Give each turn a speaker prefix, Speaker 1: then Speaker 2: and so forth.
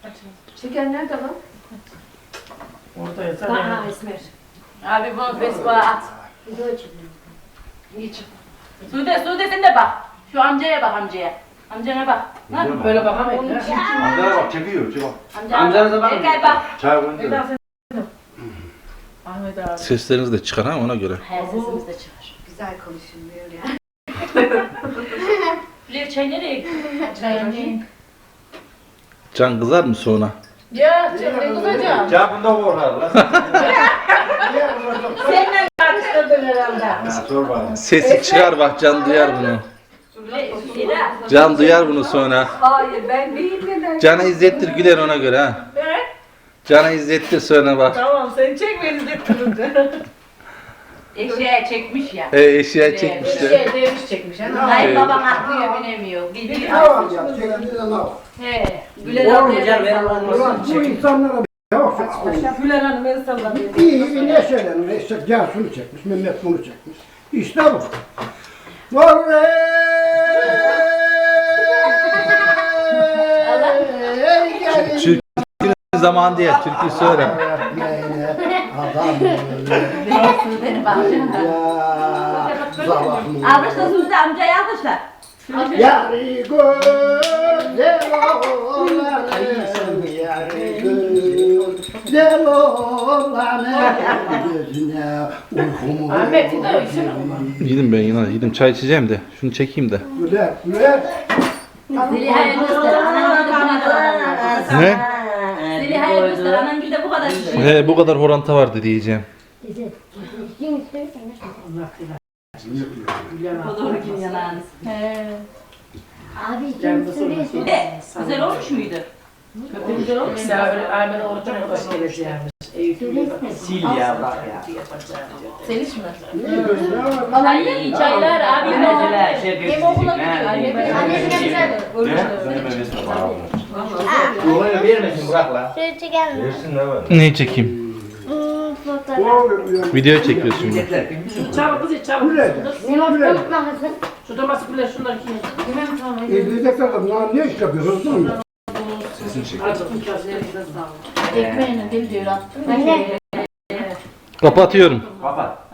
Speaker 1: Şeker nerede lan?
Speaker 2: Orada yazar.
Speaker 1: Daha esmer.
Speaker 3: Abi bunu Facebook'a at.
Speaker 1: Bir de açayım.
Speaker 3: Niçin? Sude sen de bak. Şu amcaya bak amcaya. Amcana bak. Ha?
Speaker 2: Böyle bakamayın.
Speaker 4: Amcana bak çekiyor. Çek bak.
Speaker 3: Amcanıza bak. Erkay bak.
Speaker 4: Çay koyunca.
Speaker 2: Eda sen. Ahmet abi.
Speaker 5: Sesleriniz de çıkar ha ona göre.
Speaker 3: Her sesimiz de çıkar.
Speaker 1: Güzel konuşulmuyor ya.
Speaker 3: Bilir çay nereye gitti?
Speaker 5: Can kızar mı sonra?
Speaker 2: Ya ne kızacağım?
Speaker 4: Çay bunda korkar lan.
Speaker 2: Seninle tartıştırdın herhalde.
Speaker 4: Ya sor bana.
Speaker 5: Sesi çıkar bak Can duyar bunu.
Speaker 3: Sira.
Speaker 5: Can duyar bunu sonra.
Speaker 1: Hayır ben değil neden?
Speaker 5: Can'a izlettir güler ona göre ha.
Speaker 2: Evet.
Speaker 5: Can'a izlettir sonra bak.
Speaker 2: Tamam sen çek beni de turunca.
Speaker 3: Eşeğe çekmiş ya.
Speaker 5: Eşya çekmişti.
Speaker 2: Şey demiş çekmiş.
Speaker 3: Hayır babam atlıyor binemiyor. Gidiyor.
Speaker 6: Tamam ya, çekildiğinde ne yap?
Speaker 3: He. Güler ablaya.
Speaker 6: Ulan bu insanlara yok.
Speaker 2: Güler Hanım el sallamıyor.
Speaker 6: İyi ne söylenir? İşte Cansu'nu çekmiş, Mehmet bunu çekmiş. İşte bu. Vallahi.
Speaker 5: Türkü zaman diye türkü söyle.
Speaker 6: Adam
Speaker 3: Sude'ni bak.
Speaker 6: ya.
Speaker 3: Alkışla Sude amcayı alkışla.
Speaker 6: Yarı güzel olanım, yarı güzel olanım gözüne uykumu
Speaker 2: Ahmet bir de uysun.
Speaker 5: Yedim ben yine yedim çay içeceğim de şunu çekeyim de.
Speaker 6: güler, güler.
Speaker 3: Zeliha'ya göster. Anan gibi bu kadar.
Speaker 5: Ne?
Speaker 3: Zeliha'ya göster. Anan gibi de bu kadar.
Speaker 5: He bu kadar horanta vardı diyeceğim.
Speaker 3: O doğru kim yanağınız.
Speaker 1: Abi kim söylüyorsun?
Speaker 3: Güzel olmuş muydu?
Speaker 2: Güzel olmuş. Mesela öyle Ahmet'e orucuna hoş geleceğimiz.
Speaker 7: Sil ya bırak ya.
Speaker 2: Seliş mi?
Speaker 3: Çay, çaylar abi.
Speaker 7: Mesela şey
Speaker 3: Hem okula gidiyor.
Speaker 1: Annesine güzel.
Speaker 7: Olayı vermesin bırak la.
Speaker 1: Şöyle çeker mi?
Speaker 4: Versin ne var?
Speaker 5: Neyi çekeyim?
Speaker 1: Fotoğraf.
Speaker 5: Video çekiyoruz şimdi.
Speaker 2: Çabuk kızı çabuk.
Speaker 6: Güler.
Speaker 1: Ne var bakmasın?
Speaker 2: Şu domates güler şunları kim?
Speaker 1: Bilmem tamam.
Speaker 6: Evlilikte kadınlar ne iş yapıyorsunuz değil mi?
Speaker 2: Acıktım kaslarınıza sağ olun.
Speaker 3: Ekmeğini dil diyor attım.
Speaker 1: Anne.
Speaker 5: Kapatıyorum.
Speaker 7: Kapat.